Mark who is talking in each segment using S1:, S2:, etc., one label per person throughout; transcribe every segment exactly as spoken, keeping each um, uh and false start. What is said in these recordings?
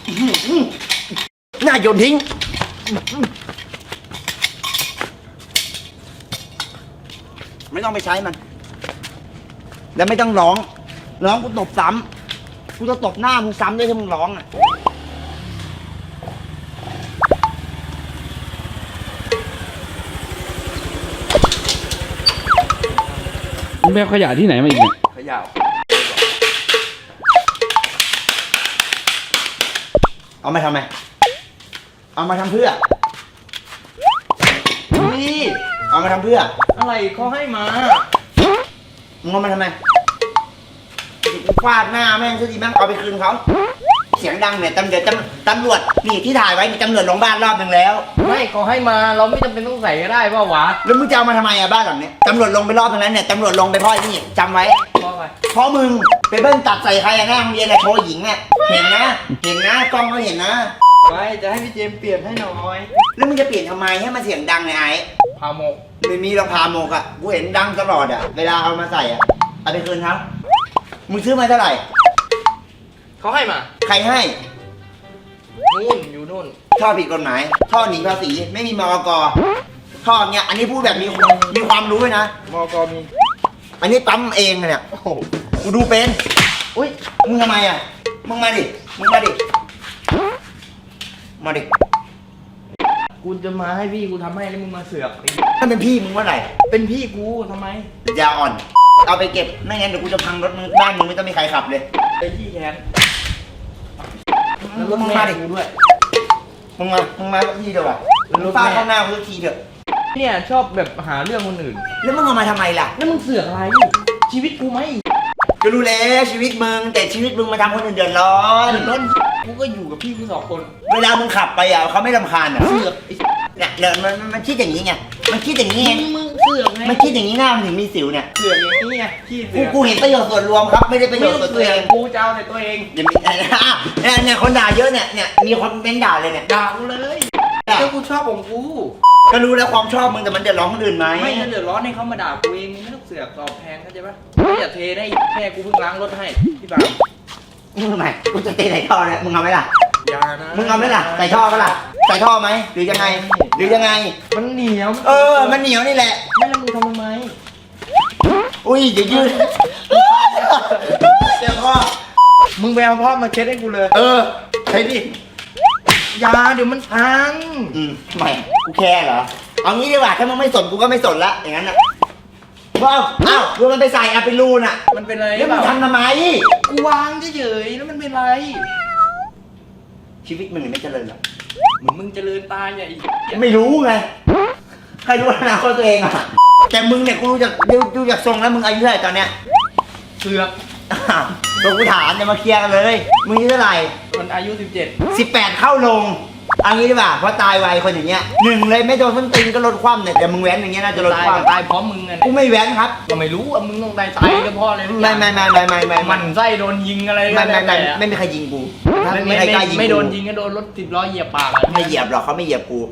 S1: หน้าโยนทิ้งไม่ต้องไปใช้มันแล้วไม่ต้องร้องร้องกูตบซ้ำกูจะตบหน้ามึงซ้ำด้วยถ้ามึงร้องอ่ะ
S2: มึงไปเอาขยะที่ไหนมาอีกเนี่ย
S1: ขยะเอามาทำไมเอามาทำเพื่อนี่เอามาทำเพื่ออะไรเขาให้มามึงเอามาทำไมฟาดหน้าแม่งซะดีแม่งเอาไปคืนเขาเสียงดังเนี่ยตำรวจตำรวจนี่ที่ถ่ายไว้มีตำรวจลงบ้านรอบนึงแล้ว
S3: ไม่เขาให้มาเราไม่จำเป็นต้องใส่ก็ได้ป่าวะ
S1: แล้วมึงจะเอามาทำไมอะบ้านหลังเนี้ยตำรวจลงไปรอบตรงนั้นเนี่ยตำรวจลงไปพ่อนี่จำไว้
S3: เพราะอะไร
S1: เพราะมึงไปเบิ้ลตัดใส่ใครอะหน้าโรงเรียนอะโชว์หญิงเนี่ยเห็นนะเห็นนะกล้องก็เห็นนะ
S3: ไม่จะให้พี่เจมเปลี่ยนให้หน่อย
S1: แล้วมึงจะเปลี่ยนทำไมให้มันเสียงดังไงไอ้
S3: พาโมก
S1: ไม่มีรองพาโมกอะกูเห็นดังตลอดอะเวลาเอามาใส่อะเอาไปคืนเขามึงซื้อมาเท่าไหร่
S3: เขาให้มา
S1: ใครให้
S3: นู่นอยู่นู่น
S1: ท่อผิดกฎหมายท่อหนีภาษีไม่มีมอกท่อเนี้ยอันนี้พูดแบบมีมีความรู้เลยนะ
S3: มกมี
S1: อันนี้ปั๊มเองเนี่ยโอ้โหกูดูเป็นอุ้ยมึงทำไมอะมึงมาดิมึงมาดิมาดิ
S3: กูจะมาให้พี่กูทำให้แล้วมึงมาเสือก
S1: ถ้าเป็นพี่มึงว่าไหน
S3: เป็นพี่กูทำไม
S1: ยาอ่อนเอาไปเก็บไม่งั้นเดี๋ยวกูจะพังรถมึงบ้านมึงไม่ต้องมีใครขับเลย
S3: เป็นพี่แทน
S1: แล้วมึงมาดิกูด้วยมึงมามึงมาสักทีเดียวอ่ะฟาดเข้าหน้ากูสักทีเถอะ
S3: เนี่ยชอบแบบหาเรื่องคนอื่น
S1: แล้วมึงเอามาทำไมล่ะ
S3: แล้วมึงเสือกอะไรชีวิตกูไหม
S1: ก็รู้แล้วชีวิตมึงแต่ชีวิตมึงมาทำคนอื่นเดือดร้อน
S3: ร้อนกูก็อยู่กับพี่กูสองคน
S1: เวลามึงขับไปอ่ะเขาไม่รำคาญอ่ะเสือกเนี่ยเดี๋ยวมันมันคิดอย่างนี้ไงมันคิดอย่างนี้ไง
S3: มึงเสือกไง
S1: มันคิดอย่างนี้หน้ามันถึงมีสิวเนี่ย
S3: เสือกอย่างนี้ไงพี่เสือก
S1: กูเห็นประโยชน์ส่วนรวมครับไม่ได้ประโยชน์ส่วนตัวเอง
S3: กูจะเอาแต่ตัวเอง
S1: อย่ามีเนี่ยเนี่ยคนด่าเยอะเนี่ยเนี่ยมีคนเม้นด่าเลยเนี่ย
S3: ด่ากูเลยก็กูชอบของกู
S1: ก็รู้แล้วความชอบมึงแต่มันเดือดร้อนคนอื่นไหม
S3: ไม่เดือดร้อนให้เขามาด่ากูเองมึงไม่ต้องเสือกตอบแทนเข้าใจปะไม่อย่าเทได้แม่กูเพิ่งล้างรถให้พี่บ่าว
S1: มึงทำไมกูจะเทใส่ท่อเนี่ยมึงเอาไหมล่ะ
S3: อย่านะ
S1: มึงเอาไหมล่ะใส่ท่อไหมล่ะใส่ท่อไหมหรือยังไงหรือยังไง
S3: มันเหนียว
S1: เออมันเหนียวนี่แหละ
S3: ไม่แล้วมึงทำทำไม
S1: อุ้ยอย่ายืนเดี๋ยวพ่อ
S3: มึงไปเอาพ่อมาเช็ดให้กูเลย
S1: เออใช่ดิ
S3: ยาเดี๋ยวมันพัง
S1: อืมไม่กูแค่เหรอเอางี้ดีกว่าถ้ามึงไม่สนกูก็ไม่สนละอย่างนั้นนะว้าวอ้าวดูมันไปใส่อะไปรูน่ะ
S3: มันเป็นอะไร
S1: แล้วมึงทำทำไม
S3: กูวางเฉยๆแล้วมันเป็นไร
S1: ชีวิตมึงไม่เจริญหรอก
S3: มึงมึงเจริญตายไง
S1: ไม่รู้ไงใครรู้อนาคตตัวเองอะแต่มึงเนี่ยกูดูจากดูจากทรงแล้วมึงอายุเท่าไหร่ตอนเนี้ย
S3: เสือก
S1: ตัวกูถามเนี่ยมาเคลียร์กันเลยมึงอายุเท่าไหร่
S3: มันอายุสิบเจ็ด
S1: สิบแปดเข้าลงเอางี้ดีกว่าเพราะตายไวคนอย่างเงี้ยหนึ่งเลยไม่โดนส้นตีนก็ลดความเนี่ยแต่มึงแว้นอย่างเงี้ยน่าจะลดความ
S3: ตายพร้อมมึงไง
S1: กูไม่แว้นครับ
S3: ก็ไม่รู้ว่ามึงต้องตายตายก็พ่อเลย
S1: ไม่ไม่ไม่ไม่ไม่ไม่
S3: มันไส้โดนยิงอะไร
S1: ไม่ไม่ไม่ไม่มีใครยิงกู
S3: ไม่ไม่ไม่โดนยิงก็โดนรถสิบล้อเหยียบปาก
S1: ไม่เหยียบหรอกเขาไม่เหยียบกู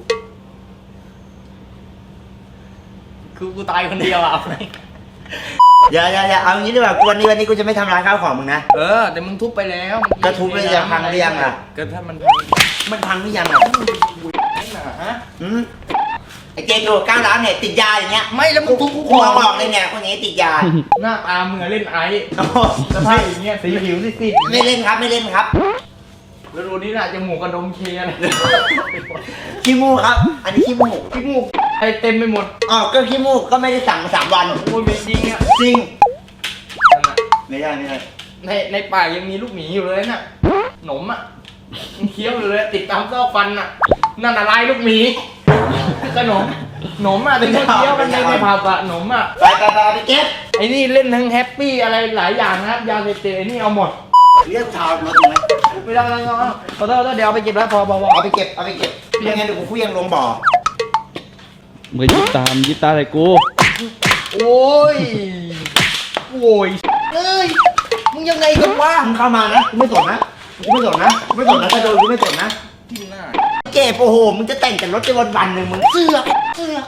S3: คือกูตายคนเดียวอ่ะ
S1: อย่าอย่าอย่าเอางี้ดีกว่าวันนี้วันนี้กูจะไม่ทำร้ายข้าวของมึงนะ
S3: เออแต่มึงทุบไปแล้ว
S1: ก็ทุบเลยจะพังหรือยังล่ะ
S3: ก็ถ้ามันพัง
S1: มันพังหรือยังล่ะฮะอืมไอ้เจดูก้าวร้านเนี่ยติดยาอย่างเงี้ย
S3: ไม่แล้วมึงทุบกู
S1: คอบอกเลยเนี่ยคนนี้ติดยา
S3: หน้าตามึงเล่นไอ้สภาพอย่างเงี้ยสีผิวสิสิ
S1: ไม่เล่นครับไม่เล่นครับ
S3: แล้วดูนี่น่ะจมูกกระดมเคอะไร
S1: ขี้มูกครับอันนี้ขี้มูก
S3: ขี้มูกไอเต็มไปหมด
S1: อ๋อก็ขี้มูกก็ไม่ได้สั่งมาสามวัน
S3: โอ้ยไม่จริงอ่ะ
S1: จริงไม่ได้ไม่ได้
S3: ในในปากยังมีลูกหมีอยู่เลยน่ะหนมอ่ะเคี้ยวอยู่เลยติดตามซอกฟันอ่ะนั่นอะไรลูกหมีขนมหนมอ่ะเป็นเคี้ยวกันในในผับอ่ะหนมอ่ะ
S1: ไปไปไปไปเก็บ
S3: ไอ้นี่เล่นทั้งแฮปปี้อะไรหลายอย่างนะครับยาเสพติดไอ้นี่เอาหมด
S1: เรียกทาวน์มาตรงไหน
S3: ไม่ได้ไม่ได้ขอโทษขอโทษเดี๋ยวเอาไปเก็บแล้วพอพอ
S1: เอาไปเก็บเอาไปเก็บยังไงเดี๋ยวกูเคลื่อนลงบ่อ
S2: มึงยิบตามยิบตาใส่กู
S3: โอ้ยโอ้ยเอ้ยมึงยังไงกันวะ
S1: มึงเข้ามานะกูไม่สนนะกูไม่สนนะกูไม่สนนะถ้าโดนกูไม่สนนะ
S3: ที่หน้า
S1: เก็บโอ้โหมึงจะแต่งแต่รถไปวันวันหนึ่งมึงเสือกเสือก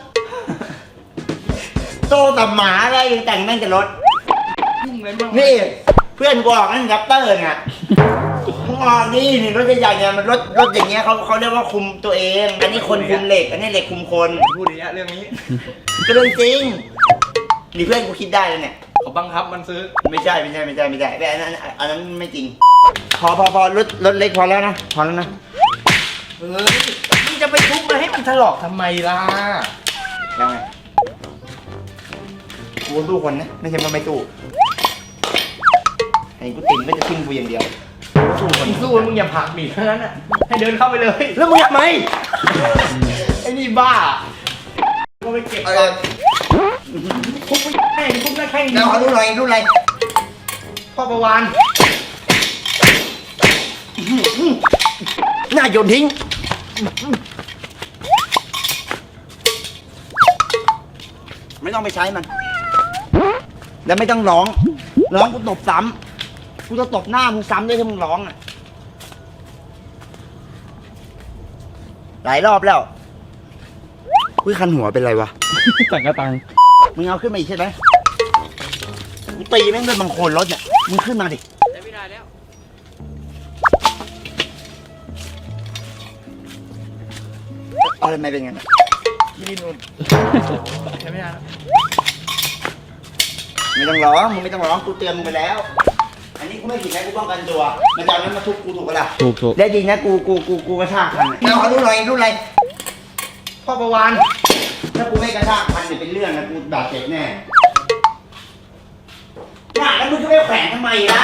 S1: โตแต่หมาอะไรยังแต่งแม่งแต่รถนี่เพื่อนกูออกนั่นแรปเตอร์ไงมึงออกนี่นี่รถใหญ่ๆเนี่ยมันรถรถอย่างเงี้ยเขาเขาเรียกว่าคุมตัวเอง อันนี้คนคุมเหล็ก อันนี้เหล็กคุมคน
S3: พูดอย่างเงี้ยเรื่องนี้
S1: ก็เรื่องจริงนี่เพื่อนกูคิดได้แล้วเนี่ย
S3: เขาบังคับมันซื้อ
S1: ไม่ใช่ไม่ใช่ไม่ใช่ไม่ใช่แต่อันนั้นอันนั้นไม่จริง พอพอพอรถรถเล็กพอแล้วนะพอแล้วนะ
S3: เออมึงจะไปทุบมันให้มันถลอกทำไมล่ะ
S1: แล้วไงกูสู้คนนะไม่ใช่มันไม่สู้ไอ้กูติ่มไม่จะทิ้งกูอย่างเดียวสู้คน
S3: มึงสู้มึงอย่าผลักดิเท่านั้นอ่ะให้เดินเข้าไปเลย
S1: แล้วมึงทำไม
S3: ไอ้นี่บ้าก็ไปเก็บ
S1: เอ
S3: ก่อ
S1: อน
S3: ทุบไม่ได้ทุบได้แค่
S1: แล้วขอรู้หน่อยรู้อะไร
S3: พ่อประวาน
S1: หน้าโยนทิ้งไม่ต้องไปใช้มัน แล้วไม่ต้องร้อง ร้องกูตบซ้ำกูจะตบหน้ามึงซ้ำด้วยถ้ามึงร้องอ่ะ หลายรอบแล้วอุ้ยคันหัวเป็นไรวะ
S2: ต่างกระตัง
S1: มึงเอาขึ้นมาอีกใช่ไหมกูตีแม่งด้วยบางโคลนรถเนี่ย มึงขึ้นมาดิ
S3: ใช้ไม่ได้แล้ว
S1: เอาอะไรมาเป็นไง
S3: ที่ดินนุ่นใช้ไม่ได้แล้ว
S1: ไม่ต้องร้อง มึงไม่ต้องร้อง กูเตือนมึงไปแล้ว อันนี้กูไม่ผิดนะกูป้องกันตัว มันจะเอานั้นมาทุบกูถูกปะล่ะ
S2: ถูกถูก
S1: ได้ดีนะกูกูกูกูกระชากคันแล้วขอรู้หน่อยรู้อะไร
S3: พ่อประวาน
S1: ถ้ากูไม่กระชากคันเนี่ยเป็นเรื่องนะกูบาดเจ็บแน่น่ะแล้วมึงจะไปแขวนทำไมล่ะ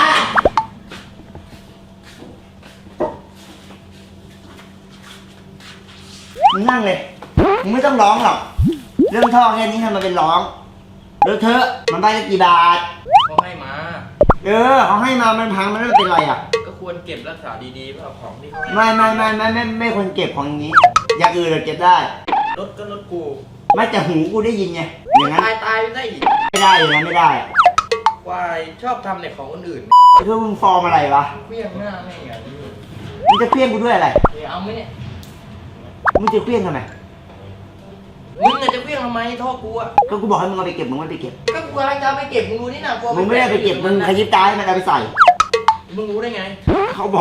S1: มึงนั่งเลย มึงไม่ต้องร้องหรอก เรื่องท่อแค่นี้ทำมาเป็นร้องเลอะเทอะมันไปละกี่บาท
S3: เขาให้มา
S1: เออเขาให้มามันพังมันไม่เป็นไรอ่ะ
S3: ก็ควรเก็บรักษาดีๆเพื่อของที่เขาให้
S1: ไม่ไม่ไม่ไม่ไม่ไม่ควรเก็บของอย่างนี้ อย่างอื่นเราเก็บได้
S3: รถก็รถกู
S1: ไม่แต่หูกูได้ยินไง อย่างนั้น
S3: ตายตายไม่ได้อีก
S1: ไม่ได้อย่างนั้นไม่ได้
S3: วายชอบทำในของคนอื่น
S1: เพื่อมึงฟอร์มอะไรวะ
S3: เพี้ยงหน้าแม่งอย่างนี้
S1: มึงจะเคลี้ยงกูด้วยอะไร
S3: เดี๋ยวเอาไหมเนี่ย
S1: มึงจะเคลี้ยงทำไม
S3: มึงอะจะเพี้ยงทำไมท่อกูอะ
S1: ก็กูบอกให้มึงเอาไปเก็บมึงไม่ไปเก็บ
S3: ก็กูกำลังจะเอาไปเก็บมึงรู้นี่นะกูเอา
S1: มึงไม่ได้ไปเก็บมึงขยิบตาให้มันเอาไปใส่
S3: มึงรู้ได้ไง
S1: เขาบอก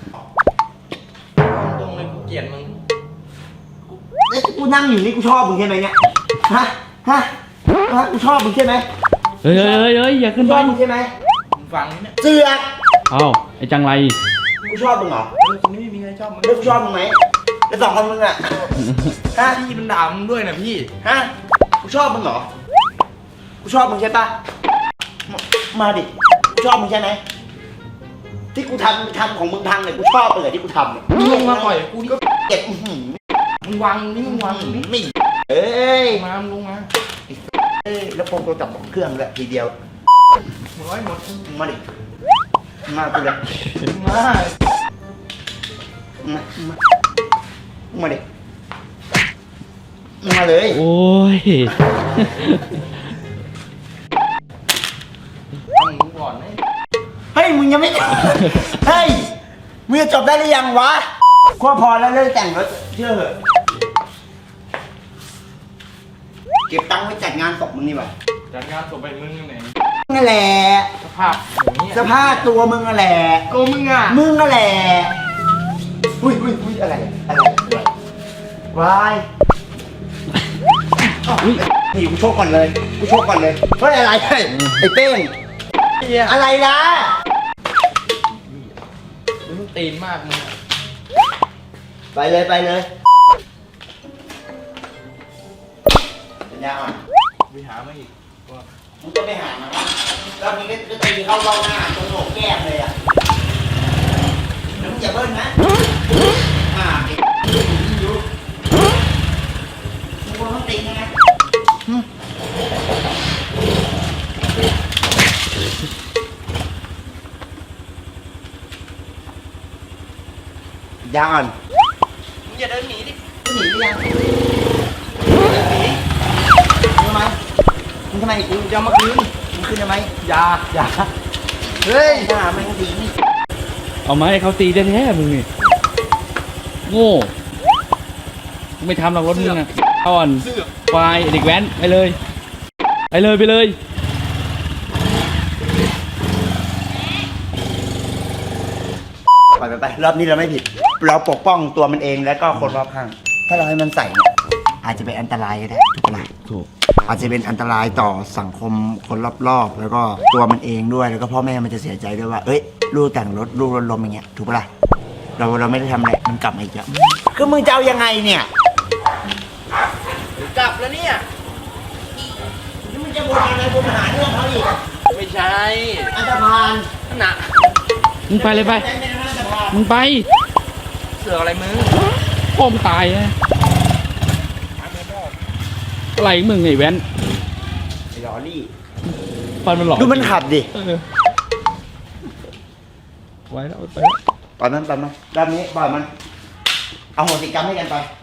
S3: ตรงเลยกูเกลียดมึง
S1: เอ้ยกูนั่งอยู่นี่กูชอบมึงใช่ไหมเนี่ย ฮะ ฮะ ฮะ กูชอบมึงใช่ไหม
S2: เฮ้ยเฮ้ยเฮ้ยเฮ้ยอย่าขึ้น
S1: ช
S2: ไป
S1: อบมึงใช่ไหม
S3: มึงฟังนี่เนี่ย
S1: เสือก
S2: เอ้าไอ้จังไร
S1: กูชอบมึงเหรอ
S3: เออตรงนี้ไม่มีใครชอบมึง
S1: แล้วกูชอบมึงไหมแล้วสองคนมึงอะ
S3: ถ้าพี่มันด่ามึงด้วยนะพี่
S1: ฮะ กูชอบมึงเหรอ กูชอบมึงใช่ปะมามาดิ กูชอบมึงใช่ไหม ที่กูทำทำของมึงพังเนี่ยกูชอบเลยที่กูทำเนี่ย
S3: มึงลงมาต่อยกูนี่ก็
S1: เก็บอื้อหือ
S3: มึงวางนี่มึงวางนี่
S1: ไม่เอ้ย
S3: มามึงลงมา
S1: เอ้ย แล้วพงตัวจับเครื่องเลยทีเดียว
S3: มึงร้อยหมด
S1: มึงมาดิมึงมากูเลย
S3: มึงมา
S1: มึงมามึงมามึงมาดิมึงมาเลย
S2: โอ้ย
S3: เอามึงก่อนนะ
S1: เฮ้ย มึงยังไม่ เฮ้ย มึงจะจบได้หรือยังวะก็พอแล้วเลิกแต่งรถเชื่อเหอะ เก็บตังค์ไว้จัดงานศพมึงนี่หว่า
S3: จัดงานศพไปมึงไหน
S1: นั่นแหละ
S3: สภาพอย่างนี้
S1: สภาพตัวมึงนั่นแหละ
S3: กูมึงอ่ะ
S1: มึงนั่นแหละอุ้ยอุ้ยอุ้ยอะไร อะไรอะไรวายอุ้ยนี่กูโชคก่อนเลย กูโชคก่อนเลย เฮ้ยอะไรเฮ้ยไอ้เป้ง
S3: เฮีย
S1: อะไรล่ะ
S3: มึงตีนมากมึงอะ
S1: ไปเลยไปเลยสัญญาอ่ะ
S3: ไปหามาอีกว่า
S1: มึงก็ไปหามาแล้วมึงก็ตีเข้าเบ้าหน้าตรงโหนกแก้มเลยอ่ะแล้วมึงอย่าเบิ้ลนะอ่าเด็กดูมึงควรต้องตีนะนะยาอ่อน
S3: มึงอย่าเดินหนีดิ
S1: มึงหนีหรือยังมึงทำไมมึงทำไมกู
S3: มึงจะเอามาคืน
S1: มึงขึ้นทำไม
S3: อย่าอย่า
S1: เฮ้ยหน้ามันดีนี่
S2: เอาไม้ให้เขาตีแท้ๆมึงนี่โง่มึงไม่ทำหรอกรถมึงนะอ่อน
S3: เสือก
S2: ควายเด็กแว้นไปเลยไปเลยไปเลย
S1: ปล่อยมันไปรอบนี้เราไม่ผิด เราปกป้องตัวมันเองแล้วก็คนรอบข้าง ถ้าเราให้มันใส่เนี่ยอาจจะเป็นอันตรายก็ได้ถูกปะล่ะ
S2: ถูก
S1: อาจจะเป็นอันตรายต่อสังคมคนรอบๆแล้วก็ตัวมันเองด้วยแล้วก็พ่อแม่มันจะเสียใจด้วยว่าเอ้ยลูกแต่งรถลูกรถล้มอย่างเงี้ยถูกปะล่ะเราเราไม่ได้ทำอะไรมันกลับมาอีกแล้วคือมึงจะเอายังไงเนี่ย
S3: กลับแล้วเนี่ย
S1: นี่มึงจะวนอะไรวนหาเรื่องเขาอีก
S3: ไม่ใช่
S1: อันตรพาน
S3: นั่นน่ะ
S2: มึงไปเลยไป
S1: แต่เป็นอันตรพาน
S2: มึงไป
S3: เสือกอะไรมึง
S2: พ่อมึงตายนะอะไรมึงไอ้แว้น
S1: ไอ้ลอรี่
S2: ฟันมันหลอก
S1: ดูมันขับดิ
S2: เออไว้แล้วไปแล้ว
S1: ปล่อยมันปล่อยมันด้านนี้ปล่อยมันเอาโหสิกรรมให้กันไป